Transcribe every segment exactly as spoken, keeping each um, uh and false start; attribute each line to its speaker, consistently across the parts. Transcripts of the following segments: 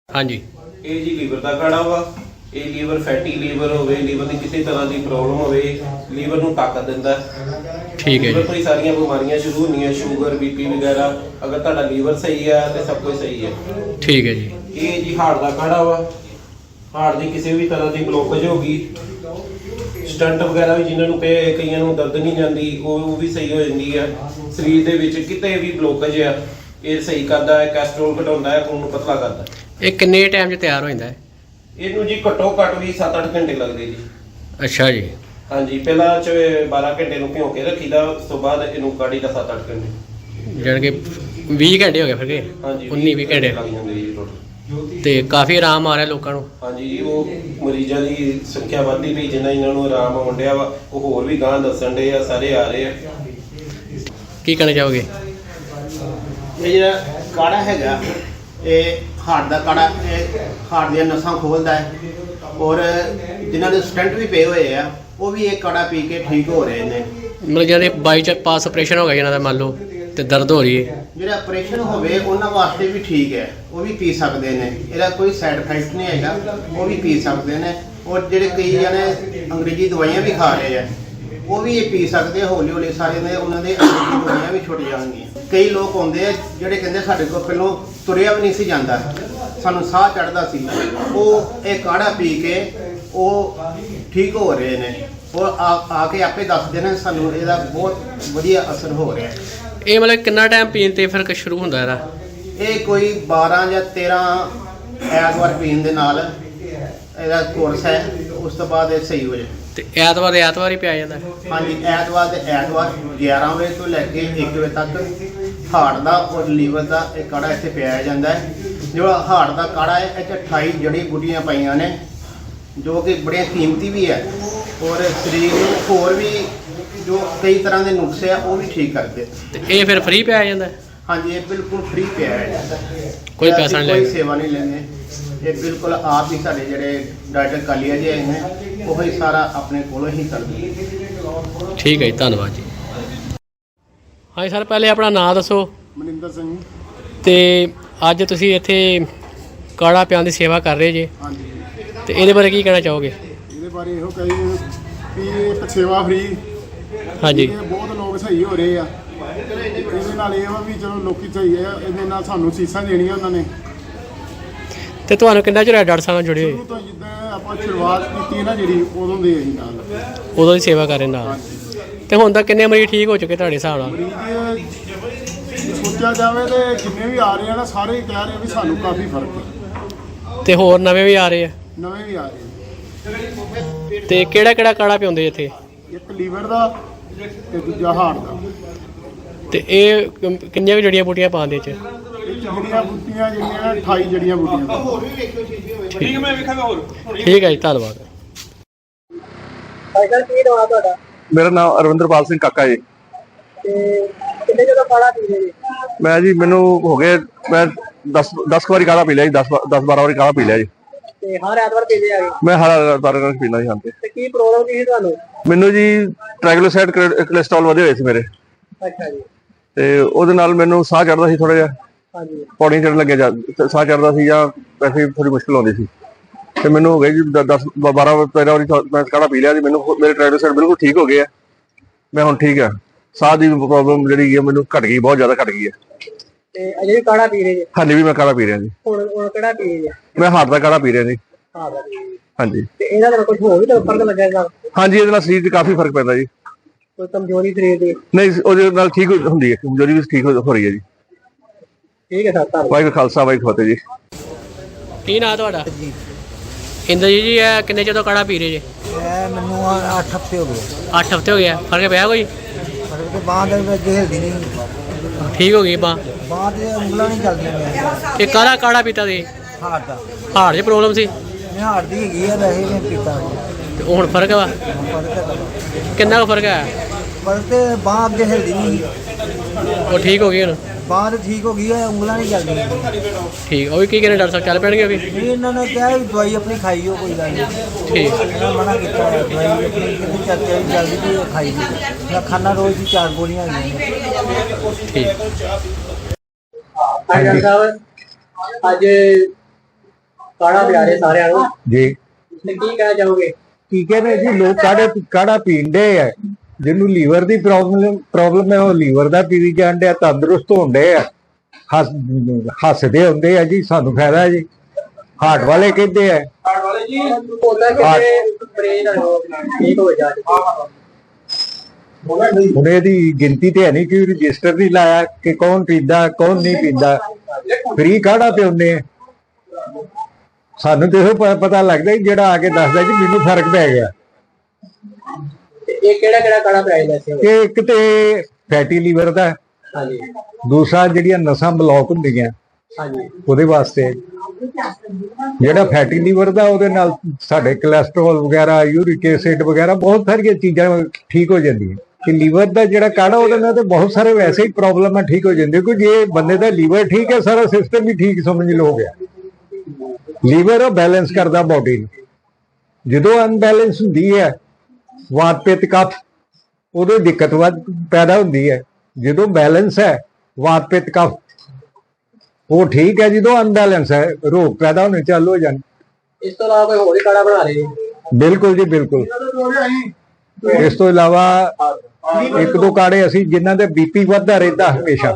Speaker 1: हाँ जी
Speaker 2: ਇਹ ਜੀ ਲੀਵਰ ਦਾ ਕਾੜਾ ਵਾ। ਇਹ ਲੀਵਰ ਫੈਟੀ ਲੀਵਰ ਹੋਵੇ, ਲੀਵਰ ਦੀ ਕਿਸੇ ਤਰ੍ਹਾਂ ਦੀ ਪ੍ਰੋਬਲਮ ਹੋਵੇ, ਲੀਵਰ ਨੂੰ ਤਾਕਤ ਦਿੰਦਾ।
Speaker 1: ठीक है
Speaker 2: ਲੀਵਰ
Speaker 1: जी।
Speaker 2: ਤੋਂ ਹੀ ਸਾਰੀਆਂ ਬਿਮਾਰੀਆਂ ਸ਼ੁਰੂ ਹੁੰਦੀਆਂ, ਸ਼ੂਗਰ ਬੀਪੀ ਵਗੈਰਾ। ਅਗਰ ਤੁਹਾਡਾ ਲੀਵਰ ਸਹੀ ਹੈ ਤੇ ਸਭ ਕੁਝ ਸਹੀ ਹੈ।
Speaker 1: ठीक है जी।
Speaker 2: ਇਹ ਜੀ ਹਾਰਟ ਦਾ ਕਾੜਾ ਵਾ। ਹਾਰਟ ਦੀ ਕਿਸੇ ਵੀ ਤਰ੍ਹਾਂ ਦੀ ਬਲੋਕੇਜ ਹੋ ਗਈ, ਸਟੰਟ ਵਗੈਰਾ ਵੀ ਜਿਨ੍ਹਾਂ ਨੂੰ ਪਏ, ਕਈਆਂ ਨੂੰ ਦਰਦ ਨਹੀਂ ਜਾਂਦੀ, ਉਹ ਉਹ ਵੀ ਸਹੀ ਹੋ ਜਾਂਦੀ ਹੈ। ਸਰੀਰ ਦੇ ਵਿੱਚ ਕਿਤੇ ਵੀ ਬਲੋਕੇਜ ਆ ਇਹ ਸਹੀ ਕਰਦਾ ਹੈ। ਕੈਸਟਰੋਲ ਘਟਾਉਂਦਾ ਹੈ, ਖੂਨ ਨੂੰ ਪਤਲਾ ਕਰਦਾ ਹੈ।
Speaker 1: ਇਹ ਕਿੰਨੇ ਟਾਈਮ 'ਚ ਤਿਆਰ ਹੋ ਜਾਂਦਾ ਹੈ?
Speaker 2: ਇਹਨੂੰ ਜੀ ਘੱਟੋ ਘੱਟ ਵੀ ਸੱਤ ਅੱਠ ਘੰਟੇ ਲੱਗਦੇ ਜੀ।
Speaker 1: ਅੱਛਾ ਜੀ।
Speaker 2: ਹਾਂਜੀ, ਪਹਿਲਾਂ ਚ ਬਾਰਾਂ ਘੰਟੇ ਨੂੰ ਭਿਓ ਕੇ ਰੱਖੀਦਾ, ਉਸ ਤੋਂ ਬਾਅਦ ਇਹਨੂੰ ਕਾੜੀ ਦਾ ਸੱਤ ਅੱਠ ਘੰਟੇ।
Speaker 1: ਜਾਣੀ ਕਿ ਵੀਹ ਘੰਟੇ ਹੋ ਗਏ ਫਿਰ ਕੇ
Speaker 2: ਹਾਂਜੀ,
Speaker 1: ਉੱਨੀ ਵੀਹ ਘੰਟੇ
Speaker 2: ਲੱਗ ਜਾਂਦੇ ਜੀ ਟੋਟਲ।
Speaker 1: ਤੇ ਕਾਫੀ ਆਰਾਮ ਆ ਰਿਹਾ ਲੋਕਾਂ ਨੂੰ।
Speaker 2: ਹਾਂਜੀ ਜੀ, ਉਹ ਮਰੀਜ਼ਾਂ ਦੀ ਸੰਖਿਆ ਵੱਧਦੀ ਪਈ, ਜਿੰਨਾ ਇਹਨਾਂ ਨੂੰ ਆਰਾਮ ਆਉਣ ਡਿਆ ਵਾ, ਉਹ ਹੋਰ ਵੀ ਗਾਂ ਦੱਸਣ ਡੇ ਆ, ਸਾਰੇ ਆ ਰਹੇ ਆ।
Speaker 1: ਕੀ ਕਹਿਣਾ ਚਾਹੋਗੇ?
Speaker 3: ਇਹ ਜਿਹੜਾ ਕਾੜਾ ਹੈਗਾ ਇਹ ਹਾਰਟ ਦਾ ਕਾੜਾ, ਇਹ ਹਾਰਟ ਦੀਆਂ ਨਸਾਂ ਖੋਲਦਾ ਹੈ ਔਰ ਜਿਨ੍ਹਾਂ ਦੇ ਸਟੰਟ ਵੀ ਪਏ ਹੋਏ ਆ ਉਹ ਵੀ ਇਹ ਕਾੜਾ ਪੀ ਕੇ ਠੀਕ ਹੋ ਰਹੇ ਨੇ।
Speaker 1: ਮਤਲਬ ਜਿਹਦੇ ਬਾਈ ਚ ਪਾਸ ਆਪਰੇਸ਼ਨ ਹੋ ਗਿਆ ਜਿਹਨਾਂ ਦਾ ਮੰਨ ਲਓ ਤੇ ਦਰਦ ਹੋ ਰਹੀ ਹੈ,
Speaker 3: ਜਿਹੜਾ ਆਪਰੇਸ਼ਨ ਹੋਵੇ ਉਹਨਾਂ ਵਾਸਤੇ ਵੀ ਠੀਕ ਹੈ, ਉਹ ਵੀ ਪੀ ਸਕਦੇ ਨੇ। ਇਹਦਾ ਕੋਈ ਸਾਈਡ ਇਫੈਕਟ ਨਹੀਂ ਹੈਗਾ, ਉਹ ਵੀ ਪੀ ਸਕਦੇ ਨੇ। ਔਰ ਜਿਹੜੇ ਕਈ ਜਣੇ ਅੰਗਰੇਜ਼ੀ ਦਵਾਈਆਂ ਵੀ ਖਾ ਰਹੇ ਆ ਉਹ ਵੀ ਇਹ ਪੀ ਸਕਦੇ। ਹੌਲੀ ਹੌਲੀ ਸਾਰੇ ਨੇ ਉਹਨਾਂ ਦੇ ਅੰਗਰੇਜ਼ੀ ਦਵਾਈਆਂ ਵੀ ਛੁੱਟ ਜਾਣਗੀਆਂ। ਕਈ ਲੋਕ ਆਉਂਦੇ ਆ ਜਿਹੜੇ ਕਹਿੰਦੇ ਸਾਡੇ ਕੋਲ ਪਹਿਲੋਂ ਤੁਰਿਆ ਵੀ ਨਹੀਂ ਸੀ ਜਾਂਦਾ, ਸਾਨੂੰ ਸਾਹ ਚੜ੍ਹਦਾ ਸੀ, ਉਹ ਇਹ ਕਾੜਾ ਪੀ ਕੇ ਉਹ ਠੀਕ ਹੋ ਰਹੇ ਨੇ। ਉਹ ਆ ਆ ਕੇ ਆਪੇ ਦੱਸਦੇ ਨੇ ਸਾਨੂੰ ਇਹਦਾ ਬਹੁਤ ਵਧੀਆ ਅਸਰ ਹੋ ਰਿਹਾ।
Speaker 1: ਇਹ ਮਤਲਬ ਕਿੰਨਾ ਟਾਈਮ ਪੀਣ ਤੇ ਫਿਰ ਸ਼ੁਰੂ ਹੁੰਦਾ ਇਹਦਾ?
Speaker 3: ਇਹ ਕੋਈ ਬਾਰਾਂ ਜਾਂ ਤੇਰਾਂ ਐਤਵਾਰ ਪੀਣ ਦੇ ਨਾਲ ਇਹਦਾ ਕੋਰਸ ਹੈ, ਉਸ ਤੋਂ ਬਾਅਦ ਇਹ ਸਹੀ ਹੋ ਜਾਏ।
Speaker 1: ਤੇ ਐਤਵਾਰ ਦੇ ਐਤਵਾਰ ਹੀ ਪਿਆ ਜਾਂਦਾ ਹੈ?
Speaker 3: ਹਾਂਜੀ, ਐਤਵਾਰ ਦੇ ਐਤਵਾਰ ਗਿਆਰਾਂ ਵਜੇ ਤੋਂ ਲੈ ਕੇ ਇੱਕ ਵਜੇ ਤੱਕ ਹਾਰਟ ਦਾ ਔਰ ਲੀਵਰ ਦਾ ਇਹ ਕਾੜਾ ਇੱਥੇ ਪਿਆਇਆ ਜਾਂਦਾ ਹੈ। ਜਿਹੜਾ ਹਾਰਟ ਦਾ ਕਾੜਾ ਹੈ ਇਹ 'ਚ ਅਠਾਈ ਜੜੀ ਬੂਟੀਆਂ ਪਾਈਆਂ ਨੇ ਜੋ ਕਿ ਬੜੀਆਂ ਕੀਮਤੀ ਵੀ ਹੈ ਔਰ ਸਰੀਰ ਨੂੰ ਹੋਰ ਵੀ ਜੋ ਕਈ ਤਰ੍ਹਾਂ ਦੇ ਨੁਕਸੇ ਆ ਉਹ ਵੀ ਠੀਕ ਕਰਦੇ।
Speaker 1: ਤੇ ਇਹ ਫਿਰ ਫ੍ਰੀ ਪਿਆ ਜਾਂਦਾ ਹੈ?
Speaker 3: ਹਾਂਜੀ, ਇਹ ਬਿਲਕੁਲ ਫ੍ਰੀ ਪਿਆਇਆ ਜਾਂਦਾ ਹੈ,
Speaker 1: ਕੋਈ ਪੈਸਾ ਨਹੀਂ
Speaker 3: ਕੋਈ
Speaker 1: ਲੱਗਦਾ?
Speaker 3: ਸੇਵਾ ਨਹੀਂ ਲੈਂਦੇ। ਇਹ ਬਿਲਕੁਲ ਆਪ ਹੀ ਸਾਡੇ ਜਿਹੜੇ ਡਾਕਟਰ ਕਾਲੀਆ ਜੀ ਆਏ ਨੇ ਉਹ ਹੀ ਸਾਰਾ ਆਪਣੇ ਕੋਲੋਂ ਹੀ ਕਰਦੇ।
Speaker 1: ਠੀਕ ਹੈ ਜੀ, ਧੰਨਵਾਦ ਜੀ। ਹਾਂਜੀ ਸਰ, ਪਹਿਲੇ ਆਪਣਾ ਨਾਮ ਦੱਸੋ।
Speaker 4: ਮਨਿੰਦਰ ਸਿੰਘ।
Speaker 1: ਤੇ ਅੱਜ ਤੁਸੀਂ ਇੱਥੇ ਕਾੜਾ ਪਿਆਉਣ ਦੀ ਸੇਵਾ ਕਰ ਰਹੇ ਜੇ,
Speaker 4: ਹਾਂਜੀ,
Speaker 1: ਤੇ ਇਹਦੇ ਬਾਰੇ ਕੀ ਕਹਿਣਾ ਚਾਹੋਗੇ?
Speaker 4: ਇਹਦੇ ਬਾਰੇ ਇਹੋ ਕਹੀ ਵੀ ਇਹ ਇੱਕ ਸੇਵਾ ਫਰੀ,
Speaker 1: ਹਾਂਜੀ।
Speaker 4: ਇਹ ਬਹੁਤ ਲੋਕ ਸਹੀ ਹੋ ਰਹੇ ਆ। ਇਹਦੇ ਨਾਲ ਇਹ ਵਾ ਵੀ ਚਲੋ ਲੋਕੀ ਸਹੀ ਆ, ਇਹਦੇ ਨਾਲ ਸਾਨੂੰ ਸੀਸਾਂ ਦੇਣੀਆਂ ਉਹਨਾਂ ਨੇ।
Speaker 1: ਤੇ ਤੁਹਾਨੂੰ ਕਿੰਨਾ ਚਿਰ ਹੋਇਆ ਡਾਕਟਰ ਸਾਹਿਬ ਨਾਲ ਜੁੜੇ ਹੋਏ?
Speaker 4: ਸ਼ੁਰੂ ਤੋਂ ਜਿੱਦਾਂ ਆਪਾਂ ਸ਼ੁਰੂਆਤ ਕੀਤੀ ਨਾ ਜਿਹੜੀ, ਉਦੋਂ ਦੇ ਅਸੀਂ ਨਾਲ
Speaker 1: ਉਦੋਂ ਦੀ ਸੇਵਾ ਕਰ ਰਹੇ ਨਾਲ।
Speaker 4: ਹਾਂਜੀ।
Speaker 1: ਤੇ ਹੁਣ ਤੱਕ ਕਿੰਨੇ ਮਰੀਜ਼ ਠੀਕ ਹੋ ਚੁੱਕੇ ਤੁਹਾਡੇ ਹਿਸਾਬ ਨਾਲ?
Speaker 4: ਮਰੀਜ਼ ਸੋਚਿਆ ਜਾਵੇ ਤੇ ਜਿੰਨੇ ਵੀ ਆ ਰਹੇ ਆ ਨਾ ਸਾਰੇ ਹੀ ਕਹਿ ਰਹੇ ਵੀ ਸਾਨੂੰ ਕਾਫੀ ਫਰਕ ਹੈ।
Speaker 1: ਤੇ ਹੋਰ ਨਵੇਂ ਵੀ ਆ ਰਹੇ ਆ?
Speaker 4: ਨਵੇਂ ਵੀ ਆ ਰਹੇ ਆ।
Speaker 1: ਤੇ ਕਿਹੜਾ ਕਿਹੜਾ ਕਾੜਾ ਪਿਆਉਂਦੇ ਇੱਥੇ?
Speaker 4: ਇੱਕ ਲੀਵਰ ਦਾ ਤੇ ਦੂਜਾ ਹਾਰਟ ਦਾ।
Speaker 1: ਤੇ ਇਹ ਕਿੰਨ- ਕਿੰਨੀਆਂ ਕੁ ਜੜੀਆਂ ਬੂਟੀਆਂ ਪਾਉਂਦੇ ਇਹ 'ਚ?
Speaker 4: ਇਹ ਜੜੀਆਂ ਬੂਟੀਆਂ ਜਿਹੜੀਆਂ ਨੇ ਅਠਾਈ ਜੜੀਆਂ ਬੂਟੀਆਂ।
Speaker 1: ਠੀਕ ਮੈਂ ਵੇਖਾਂਗਾ ਹੋਰ। ਠੀਕ ਹੈ ਜੀ, ਧੰਨਵਾਦ।
Speaker 3: ਸਾਈਕਲ ਕੀ ਦਵਾ ਤੁਹਾਡਾ?
Speaker 5: ਮੇਰਾ ਨਾਮ ਅਰਵਿੰਦਰਪਾਲ ਸਿੰਘ ਕਾਕਾ ਜੀ।
Speaker 3: ਤੇ ਕਿੰਨੇ ਜਦੋਂ ਕਾੜਾ ਪੀ ਰਹੇ ਜੀ?
Speaker 5: ਮੈਂ ਜੀ ਮੈਨੂੰ ਹੋ ਗਏ ਮੈਂ ਦਸ ਦਸ ਵਾਰੀ ਕਾੜਾ ਪੀ ਲਿਆ ਜੀ। ਦਸ ਦਸ ਬਾਰਾਂ ਵਾਰੀ ਕਾੜਾ ਪੀ ਲਿਆ ਜੀ।
Speaker 3: ਤੇ ਹਰ ਐਤਵਾਰ ਪੀਂਦੇ ਆ ਗਏ?
Speaker 5: ਮੈਂ ਹਰ ਐਤਵਾਰ ਕਾੜਾ ਪੀਂਦਾ ਜੀ। ਹਾਂ ਤੇ
Speaker 3: ਤੇ ਕੀ ਪ੍ਰੋਬਲਮ ਕੀ ਸੀ ਤੁਹਾਨੂੰ?
Speaker 5: ਮੈਨੂੰ ਜੀ ਟ੍ਰਾਈਗਲਿਸਰਾਈਡ ਕੋਲੇਸਟ੍ਰੋਲ ਵਧੇ ਹੋਏ ਸੀ ਮੇਰੇ,
Speaker 3: ਅੱਛਾ ਜੀ।
Speaker 5: ਤੇ ਉਹਦੇ ਨਾਲ ਮੈਨੂੰ ਸਾਹ ਚੜਦਾ ਸੀ ਥੋੜਾ ਜਿਹਾ,
Speaker 3: ਹਾਂਜੀ।
Speaker 5: ਪੌੜੀਆਂ ਚੜਨ ਲੱਗਿਆ ਜਾਂ ਸਾਹ ਚੜਦਾ ਸੀ ਜਾਂ ਵੈਸੇ ਥੋੜੀ ਮੁਸ਼ਕਿਲ ਆਉਂਦੀ ਸੀ। ਤੇ ਮੈਨੂੰ ਹੋ ਗਏ ਜੀ ਦਸ ਬਾਰਾਂ ਤੇਰਾਂ ਵਾਰੀ ਮੈਂ ਕਾੜਾ ਪੀ ਲਿਆ ਜੀ। ਮੈਨੂੰ ਮੇਰੇ ਟ੍ਰਾਈਗਲਿਸਰਾਈਡ ਬਿਲਕੁਲ ਠੀਕ ਹੋ ਗਏ ਆ। ਮੈਂ ਹੁਣ ਠੀਕ ਆ। ਸਾਹ ਦੀ ਪ੍ਰੋਬਲਮ ਜਿਹੜੀ ਹੈ ਮੈਨੂੰ ਘਟ ਗਈ, ਬਹੁਤ ਜ਼ਿਆਦਾ ਘਟ ਗਈ ਹੈ।
Speaker 3: ਤੇ ਅਜੇ ਵੀ ਕਾੜਾ ਪੀ ਰਹੇ ਜੀ?
Speaker 5: ਹਾਲੇ ਵੀ ਮੈਂ ਕਾੜਾ ਪੀ ਰਿਹਾ ਜੀ।
Speaker 3: ਹੁਣ ਹੁਣ ਕਿਹੜਾ ਪੀ ਰਹੇ ਜੀ?
Speaker 5: ਮੈਂ ਹਾਰਟ ਦਾ ਕਾੜਾ ਪੀ ਰਿਹਾ ਜੀ।
Speaker 3: ਹਾਂ ਜੀ।
Speaker 5: ਹਾਂਜੀ।
Speaker 3: ਤੇ ਇਹਨਾਂ ਦਾ ਕੁਝ ਹੋਰ ਵੀ ਤਾਂ ਫਰਕ ਲੱਗੇਗਾ?
Speaker 5: ਹਾਂਜੀ, ਇਹਦੇ ਨਾਲ ਸਰੀਰ 'ਚ ਕਾਫੀ ਫਰਕ ਪੈਂਦਾ ਜੀ।
Speaker 3: ਕੋਈ ਕਮਜ਼ੋਰੀ ਸਰੀਰ ਦੀ?
Speaker 5: ਨਹੀਂ, ਉਹਦੇ ਨਾਲ ਠੀਕ ਹੁੰਦੀ ਹੈ, ਕਮਜ਼ੋਰੀ ਵੀ ਠੀਕ ਹੋ ਰਹੀ ਹੈ ਜੀ।
Speaker 3: ਠੀਕ ਹੈ ਸਰ, ਧੰਨਵਾਦ।
Speaker 5: ਵਾਹਿਗੁਰੂ ਖਾਲਸਾ ਵਾਹਿਗੁਰੂ ਫਤਿਹ ਜੀ।
Speaker 1: ਕੀ ਨਾਂ ਤੁਹਾਡਾ? ਇੰਦਰਜੀਤ ਜੀ, ਇਹ ਕਿੰਨੇ ਚਿਰ ਤੋਂ ਕਾੜਾ ਪੀ ਰਹੇ ਜੇ?
Speaker 6: ਇਹ ਮੈਨੂੰ ਅੱਠ ਹਫ਼ਤੇ ਹੋ ਗਏ।
Speaker 1: ਅੱਠ ਹਫ਼ਤੇ ਹੋ ਗਏ ਆ। ਫਰਕ ਪਿਆ ਕੋਈ?
Speaker 6: ਫਰਕ ਤੇ ਬਾਂਹ ਦੇ ਵਿੱਚ ਹਿਲਦੀ ਨਹੀਂ,
Speaker 1: ਠੀਕ ਹੋ ਗਈ ਬਾਂਹ?
Speaker 6: ਬਾਂਹ ਤੇ ਉਂਗਲਾਂ ਨਹੀਂ ਚੱਲਦੀਆਂ ਮੇਰੀਆਂ।
Speaker 1: ਇਹ ਕਾਹਦਾ ਕਾੜਾ ਪੀਤਾ ਸੀ?
Speaker 6: ਹਾਰਟ ਦਾ।
Speaker 1: ਹਾਰਟ 'ਚ ਪ੍ਰੋਬਲਮ ਸੀ?
Speaker 6: ਮੈਂ ਹਾਰਟ ਦੀ ਹੈਗੀ ਆ, ਵੈਸੇ ਮੈਂ ਪੀਤਾ
Speaker 1: ਤੇ ਹੁਣ ਫਰਕ ਵਾ?
Speaker 6: ਫਰਕ ਹੈ।
Speaker 1: ਕਿੰਨਾ ਕੁ ਫਰਕ ਹੈ?
Speaker 6: ਫਰਕ ਤੇ ਬਾਂਹ ਅੱਗੇ ਹਿਲਦੀ ਨਹੀਂ,
Speaker 1: ਉਹ ਠੀਕ ਹੋ ਗਈ ਹੁਣ?
Speaker 6: ਬਾਂਹ ਤੇ ਠੀਕ ਹੋ ਗਈ ਹੈ, ਉਂਗਲਾਂ ਨਹੀਂ ਚੱਲਦੀਆਂ।
Speaker 1: ਠੀਕ। ਉਹ ਵੀ ਕੀ ਕਹਿੰਦੇ ਡਾਕਟਰ ਸਾਹਿਬ, ਚੱਲ ਪੈਣਗੇ ਉਹ ਵੀ?
Speaker 6: ਨਹੀਂ, ਇਹਨਾਂ ਨੇ ਕਿਹਾ ਵੀ ਦਵਾਈ ਆਪਣੀ ਖਾਈਓ, ਕੋਈ ਗੱਲ ਨਹੀਂ।
Speaker 1: ਠੀਕ।
Speaker 6: ਇਹਨਾਂ ਮਨਾ ਕੀਤਾ ਹੈ, ਦਵਾਈ ਆਪਣੀ ਕਿੰਨੀ ਚੱਲਦੀ ਜਲਦੀ ਵੀ ਖਾਈ ਦੀ। ਮੈਂ ਖਾਣਾ ਰੋਜ਼ ਦੀ ਚਾਰ ਗੋਲੀਆਂ ਹੈਗੀਆਂ।
Speaker 1: ਠੀਕ।
Speaker 3: ਡਾਕਟਰ ਸਾਹਿਬ, ਅੱਜ
Speaker 1: ਕਾੜਾ ਪਿਆ ਰਹੇ ਸਾਰਿਆਂ ਨੂੰ
Speaker 5: ਜੀ
Speaker 1: ਤੇ ਕੀ ਕਹਿਣਾ ਚਾਹੋਗੇ?
Speaker 5: ਕੀ ਕਹਿੰਦੇ ਜੀ ਲੋਕ ਕਾੜੇ ਕਾੜਾ ਪੀਂਦੇ ਆ, ਜਿਹਨੂੰ ਲੀਵਰ ਦੀ ਪ੍ਰੋਬਲਮ ਪ੍ਰੋਬਲਮ ਹੈ ਉਹ ਲੀਵਰ ਦਾ ਪੀ ਜਾਂਦੇ ਆ, ਤੰਦਰੁਸਤ ਹੁੰਦੇ ਆ, ਹੱਸ ਹੱਸਦੇ ਹੁੰਦੇ ਆ ਜੀ, ਸਾਨੂੰ ਫਾਇਦਾ ਜੀ। ਹਾਰਟ ਵਾਲੇ ਕਹਿੰਦੇ ਆ
Speaker 1: ਕਾਰਡ ਵਾਲੇ ਜੀ ਉਹਦਾ ਕਿਤੇ ਬਰੇਨ ਠੀਕ ਹੋ ਜਾ
Speaker 5: ਹੁਣ ਇਹਦੀ ਗਿਣਤੀ ਤੇ ਹੈ ਨਹੀਂ ਕਿ ਰਜਿਸਟਰ ਨਹੀਂ ਲਾਇਆ ਕਿ ਕੌਣ ਪੀਂਦਾ ਕੌਣ ਨਹੀਂ ਪੀਂਦਾ, ਫ੍ਰੀ ਕਾੜਾ ਪਿਉਂਦੇ ਆ। ਸਾਨੂੰ ਤੇ ਇਹੋ ਪ- ਪਤਾ ਲੱਗਦਾ ਜੀ ਜਿਹੜਾ ਆ ਕੇ ਦੱਸਦਾ ਜੀ ਮੈਨੂੰ ਫਰਕ ਪੈ ਗਿਆ।
Speaker 1: ਇਹ ਕਿਹੜਾ ਕਿਹੜਾ ਕਾੜਾ ਪਿਆ ਜਾਂਦਾ ਸੀ?
Speaker 5: ਇਹ ਇੱਕ ਤੇ ਫੈਟੀ ਲੀਵਰ ਦਾ,
Speaker 1: ਹਾਂਜੀ
Speaker 5: ਦੂਸਰਾ ਜਿਹੜੀਆਂ ਨਸਾਂ ਬਲੌਕ ਹੁੰਦੀਆਂ
Speaker 1: ਹਾਂਜੀ
Speaker 5: ਉਹਦੇ ਵਾਸਤੇ। ਜਿਹੜਾ ਫੈਟੀ ਲੀਵਰ ਦਾ ਉਹਦੇ ਨਾਲ ਸਾਡੇ ਕੋਲੇਸਟ੍ਰੋਲ ਵਗੈਰਾ, ਯੂਰਿਕ ਐਸਿਡ ਵਗੈਰਾ ਬਹੁਤ ਸਾਰੀਆਂ ਚੀਜ਼ਾਂ ਠੀਕ ਹੋ ਜਾਂਦੀਆਂ। ਕਿ ਲੀਵਰ ਦਾ ਜਿਹੜਾ ਕਾੜਾ ਉਹਦੇ ਨਾਲ ਤੇ ਬਹੁਤ ਸਾਰੇ ਵੈਸੇ ਹੀ ਪ੍ਰੋਬਲਮਾਂ ਠੀਕ ਹੋ ਜਾਂਦੀਆਂ, ਕਿਉਂਕਿ ਜੇ ਬੰਦੇ ਦਾ ਲੀਵਰ ਠੀਕ ਹੈ ਸਾਰਾ ਸਿਸਟਮ ਵੀ ਠੀਕ ਸਮਝ ਲਓ ਹੋ ਗਿਆ। ਲੀਵਰ ਉਹ ਬੈਲੈਂਸ ਕਰਦਾ ਬਾਡੀ ਨੂੰ। ਜਦੋਂ ਅਨਬੈਲੈਂਸ ਹੁੰਦੀ ਹੈ ਵਾਤ ਪਿੱਤ ਕਫ, ਉਦੋਂ ਦਿੱਕਤ ਵੱਧ ਪੈਦਾ ਹੁੰਦੀ ਹੈ। ਜਦੋਂ ਬੈਲੈਂਸ ਹੈ ਵਾਤ ਪਿੱਤ ਕਫ ਉਹ ਠੀਕ ਹੈ, ਜਦੋਂ ਅਨਬੈਲੈਂਸ ਹੈ ਰੋਗ ਪੈਦਾ ਹੋਣੇ ਚਾਲੂ ਹੋ ਜਾਣ।
Speaker 1: ਇਸ ਤੋਂ ਇਲਾਵਾ ਕੋਈ ਹੋਰ ਹੀ ਕਾੜਾ ਬਣਾ ਰਹੇ ਜੀ?
Speaker 5: ਬਿਲਕੁਲ ਜੀ ਬਿਲਕੁਲ। ਇਸ ਤੋਂ ਇਲਾਵਾ ਇੱਕ ਦੋ ਕਾੜੇ ਅਸੀਂ ਜਿਨ੍ਹਾਂ ਦੇ ਬੀਪੀ ਵੱਧਦਾ ਰਹਿੰਦਾ ਹਮੇਸ਼ਾ,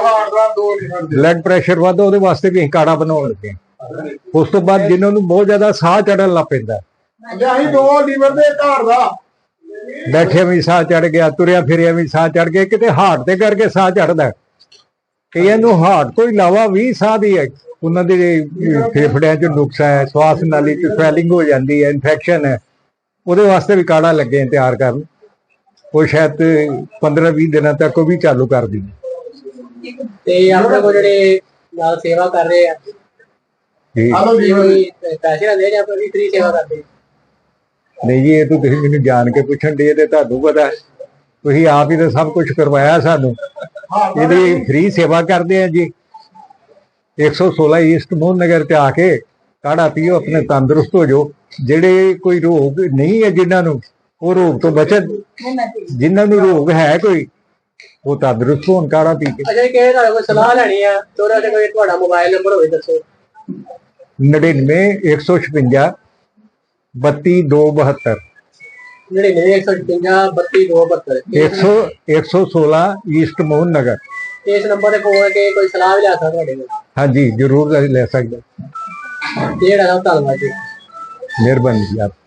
Speaker 5: ਬਲੱਡ ਪ੍ਰੈਸ਼ਰ ਵੱਧਦਾ, ਉਹਦੇ ਵਾਸਤੇ ਵੀ ਅਸੀਂ ਕਾੜਾ ਬਣਾਉਣ ਲੱਗੇ ਹਾਂ। ਉਸ ਤੋਂ ਬਾਅਦ ਜਿਨ੍ਹਾਂ ਨੂੰ ਬਹੁਤ ਜ਼ਿਆਦਾ ਸਾਹ ਚੜਨ ਲੱਗ ਪੈਂਦਾ,
Speaker 4: ਅਸੀਂ ਦੋ ਲੀਵਰ ਦੇ ਘਰ ਦਾ
Speaker 5: ਬੈਠਿਆ ਵੀ ਸਾਹ ਚੜ ਗਿਆ, ਤੁਰਿਆ ਫਿਰਿਆ ਵੀ ਸਾਹ ਚੜ ਗਿਆ, ਕਿਤੇ ਹਾਰਟ ਤੇ ਕਰਕੇ ਸਾਹ ਚੜਦਾ। ਕਈਆਂ ਨੂੰ ਹਾਰਟ ਤੋਂ ਇਲਾਵਾ ਵੀ ਸਾਹ ਦੀ ਹੈ, ਉਹਨਾਂ ਦੇ ਫੇਫੜਿਆਂ 'ਚ ਨੁਕਸ ਹੈ, ਸਵਾਸ ਨਾਲੀ 'ਚ ਸਵੈਲਿੰਗ ਹੋ ਜਾਂਦੀ ਹੈ, ਇਨਫੈਕਸ਼ਨ ਹੈ। ਉਹਦੇ ਵਾਸਤੇ ਵੀ ਕਾੜਾ ਲੱਗੇ ਤਿਆਰ ਕਰਨ। ਉਹ ਸ਼ਾਇਦ ਪੰਦਰਾਂ ਵੀਹ ਦਿਨਾਂ ਤੱਕ ਉਹ ਵੀ ਚਾਲੂ ਕਰ ਦੀ।
Speaker 1: ਤੇ ਆਪਣੇ ਕੋਲ ਜਿਹੜੇ ਨਾਲ ਸੇਵਾ ਕਰ ਰਹੇ ਆ
Speaker 5: ਜੀ
Speaker 1: ਕੋਈ ਪੈਸੇ ਲੈਂਦੇ ਜਾਂ ਫਿਰ ਫ੍ਰੀ ਸੇਵਾ ਕਰਦੇ?
Speaker 5: ਨਹੀਂ ਜੀ, ਇਹ ਤਾਂ ਤੁਸੀਂ ਮੈਨੂੰ ਜਾਣ ਕੇ ਪੁੱਛਣ ਦੇ ਤੇ ਤੁਹਾਨੂੰ ਪਤਾ, ਤੁਸੀਂ ਆਪ ਹੀ ਤਾਂ ਸਭ ਕੁਝ ਕਰਵਾਇਆ ਸਾਨੂੰ। ਇਹਦੀ ਫ੍ਰੀ ਸੇਵਾ ਕਰਦੇ ਆ ਜੀ। ਇੱਕ ਸੌ ਸੋਲਾਂ ਈਸਟ ਮੋਹਨ ਨਗਰ ਤੇ ਆ ਕੇ ਕਾੜਾ ਪੀਓ, ਆਪਣੇ ਤੰਦਰੁਸਤ ਹੋ ਜਾਓ। ਜਿਹੜੇ ਕੋਈ ਰੋਗ ਨਹੀਂ ਹੈ ਜਿਨ੍ਹਾਂ ਨੂੰ, ਉਹ ਰੋਗ ਤੋਂ ਬਚਣ। ਜਿਨ੍ਹਾਂ ਨੂੰ ਰੋਗ ਹੈ ਕੋਈ, ਉਹ ਤੰਦਰੁਸਤ ਹੋਣ ਕਾੜਾ ਪੀ ਕੇ।
Speaker 1: ਅੱਛਾ, ਕਿ ਤੁਹਾਡੇ ਕੋਲ ਸਲਾਹ ਲੈਣੀ ਆ ਤੇ ਉਹਦੇ ਕੋਈ ਤੁਹਾਡਾ ਮੋਬਾਈਲ ਨੰਬਰ ਹੋਵੇ ਦੱਸੋ।
Speaker 5: ਨੜਿਨਵੇਂ ਇੱਕ ਸੌ ਛਪੰਜਾ ਬੱਤੀ ਦੋ ਬਹੱਤਰ
Speaker 1: ਨੜਿਨਵੇਂ ਇੱਕ ਸੌ ਛਪੰਜਾ ਬੱਤੀ ਦੋ ਬਹੱਤਰ
Speaker 5: ਇੱਕ ਸੌ ਇੱਕ ਸੌ ਸੋਲਾਂ ਈਸਟ ਮੋਹਨ ਨਗਰ।
Speaker 1: ਇਸ ਨੰਬਰ ਤੇ ਫੋਨ ਕਰਕੇ ਕੋਈ ਸਲਾਹ ਵੀ ਲੈ ਸਕਦਾ ਤੁਹਾਡੇ ਕੋਲ?
Speaker 5: ਹਾਂਜੀ ਜ਼ਰੂਰ ਲੈ ਸਕਦੇ।
Speaker 1: ਜਿਹੜਾ ਧੰਨਵਾਦ ਜੀ।
Speaker 5: ਮਿਹਰਬਾਨੀ ਜੀ ਆਪ।